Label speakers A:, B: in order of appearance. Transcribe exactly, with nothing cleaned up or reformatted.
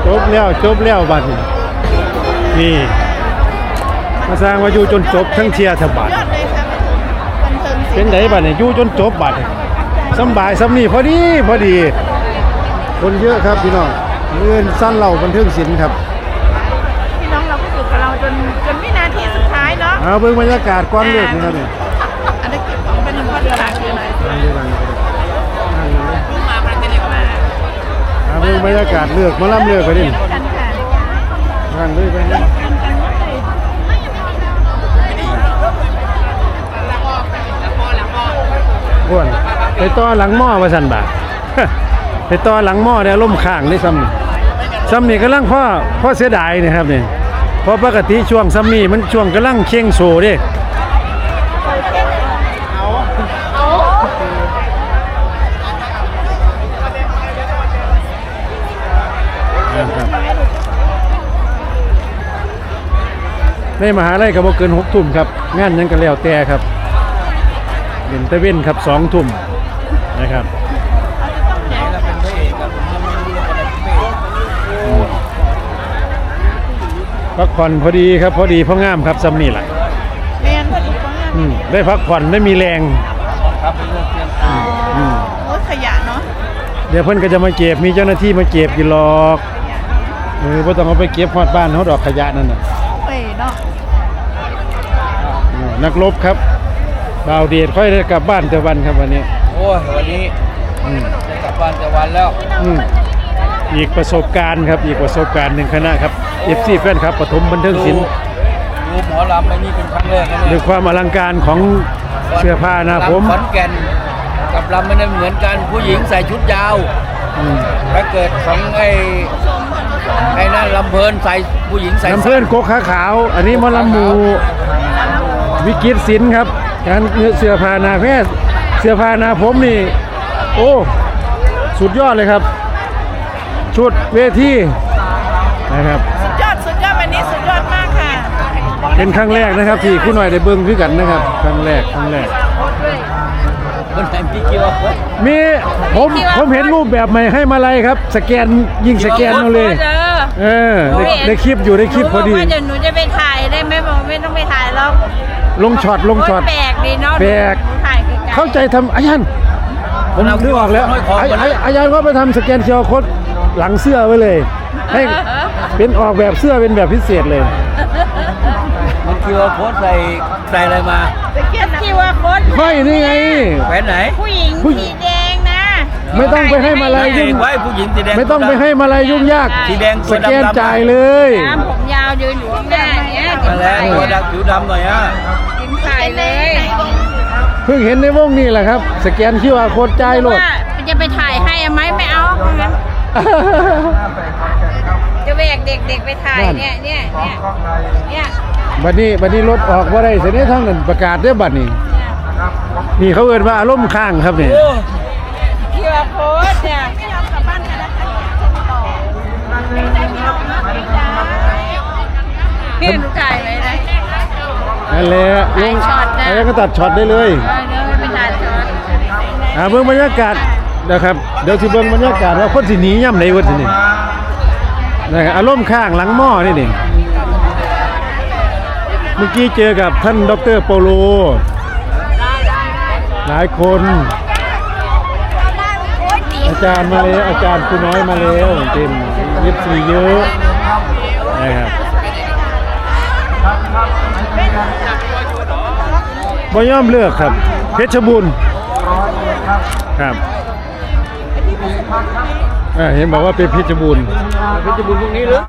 A: จบแล้วจบแล้วบัดนี้นี่มาสร้างว่าอยู่จนจบทั้งเชียร์ทั้งบัดเป็นไดบัดนี้อยู่จนจบบัดสบายสำนี่พอดีพอดีคนเยอะครับพี่น้องเลื่อนสั้นเราบันเทิงศิลป์ครับ
B: พี่น้องเราก็อยู่กับเราจนจนวินาทีสุดท้ายเนาะ
A: เอาเบิ่งบรรยากาศก้อนเลือดนะครับเนี่ย
B: อันนี้เก็บของเป็นก้อนกระดาษอยู่ไหนมาประเทศเล็กมา
A: เอาเบิ่งบรรยากาศเลือกมาล่ำเลือกไปดิทางเลยไปนี่ก้วนไปต่อหลังหม้อมาสั่นบ่าไปต่อหลังหม้อเนี่ยล่มข้างได้ซ้ำนี่ซ้ำนี่กำลังพ่อพ่อเสียดายนี่ครับนี่เพราะปกติช่วงซ้ำนี่มันช่วงกำลังเข่งโซ่ดิในมหาลัยก็บ่เกินหกทุ่มครับงานยังก็แล้วแต่ครับเด่นตะเว้นครับสองทุ่มนะครับพักผ่อนพอดีครับพอดีพองามครับซ้ำนี่แหละ
B: เรียนพอดีพองาม
A: ได้พักผ่อนไม่มีแรง
C: ครับเป็นเรื่องเตรียม
B: โอ้ขยะเนาะ
A: เดี๋ยวเพิ่นก็จะมาเก็บมีเจ้าหน้าที่มาเก็บกี่หลอกเออบ่ต้องเอาไปเก็บฮอดบ้านเฮาดอกขยะนั่นน่ะ
B: เอ้ยเนาะ
A: นักรบครับบ่าวเดชค่อยได้กลับบ้านแต่วันครับวันนี้
C: โอ้ยวันนี้ได้กลับบ้านแต่วันแล้ว
A: อีกประสบการณ์ครับอีกประสบการณ์หนึ่งคณะครับ เอฟ ซี แฟนครับปฐมบันเทิงศิลป์
C: ดูหมอลำไอ้นี่เป็นครั้งแรกนะ
A: ด้วยความอลังการของเสื้อผ้านะผม
C: ขอนแก่นกับลำมันเหมือนกันผู้หญิงใส่ชุดยาวถ้าเกิดของไอ้ไอ้นั่นลำเพลินใส่ผู้หญิงใส่
A: ลำเพลินโกขาขาวอันนี้มอลำหมูวิกิตศิลป์ครับการเสื้อผ้านาแพทย์เสื้อผ้านาผมนี่โอ้สุดยอดเลยครับชุดเวทีนะครับ
B: สุดยอดสุดยอดวันนี้สุดยอดมากค่ะ
A: เป็นครั้งแรกนะครับที่คุณหน่อยได้เบิ่งคือกันนะครับครั้งแรกครั้งแรก
C: คนไหนมีคิวอาร์โค้ด
A: มีผมผมเห็นรูปแบบใหม่ให้มาลัยครับสแกนยิงสแกนเอาเลยเออได้คลิปอยู่ได้คลิปพอดี
B: ว่าเดี๋ยวหนูจะไปถ่ายได้ไหมบอกไม่ต้องไปถ่ายแล้ว
A: ลงช็อตลงช็อต
B: แปลกดีเนาะ
A: แปลกเข้าใจทำอาจารย์ผมนึกออกแล้วอาจารย์ก็ไปทำสแกนคิวอาร์โค้ดหลังเสื้อไว้เลยให้เป็นออกแบบเสื้อเป็นแบบพิเศษเลย
C: มันคิวอาร์โค้ดใส่ใส่อะไรมา
B: คิวอาร์โค้ด
A: ไม่นี่ไง
C: แหวนไหน
B: ผู้หญิงสีแดงนะ
A: ไม่ต้องไปให้มาลัยยุ่ง
C: ไว้ผู้หญิงสีแดง
A: ไม่ต้องไปให้มาลัยยุ่งยาก
C: สีแดง
A: สแกนจ่ายเลย
B: น้ำผมยาวยืนอยู่ข้างหน้าเนี่ย
C: มาแล้วตัวดำผิวดำหน่อยอ่ะ
B: กินไข่เลย
A: เพิ่งเห็นในวงนี่แหละครับสแกนคิวอาร์โค้ดจ่ายโลด
B: จะไปถ่ายให้ไหมไม่เอางั้นจะแบกเด็กๆไปถ่ายเนี่ยเนี่ยเนี่ยเนี่ย
A: บัดนี้บัดนี้รถออกว่าได้เสียนี้ทั้งนั้นประกาศได้บัดนี้นี่เขาเอิ้นว่าอารมณ์ค้างครับนี่
B: คิวอาร์โค้ดเนี่ยไม่ยอมกลับบ้านกันนะคะต่อไม่ได้พี่น้องนะไม่ได้พี่หนูถ่ายไว้ได้
A: นั่นแหละลงแล้วก็ตัดช็อตได้เลย
B: เดี๋ยวไปถ่ายช็อต
A: อ่าเบิ่งบรรยากาศนะครับเดี๋ยวสิเบิ่งบรรยากาศว่าคนสิหนีย่ำไหนวะทีนี้นะครับอารมณ์ข้างหลังหม้อนี่นี่เมื่อกี้เจอกับท่านดร.โปโลหลายคนอาจารย์มาแล้วอาจารย์ครูน้อยมาแล้วเต็มเย็บสีเยอะนะครับบ่ยอมเลือกครับเพชรบุญครับเห็นบอกว่าเป็นเพชรบุญ
C: เพชรบุญพวกนี้หรือ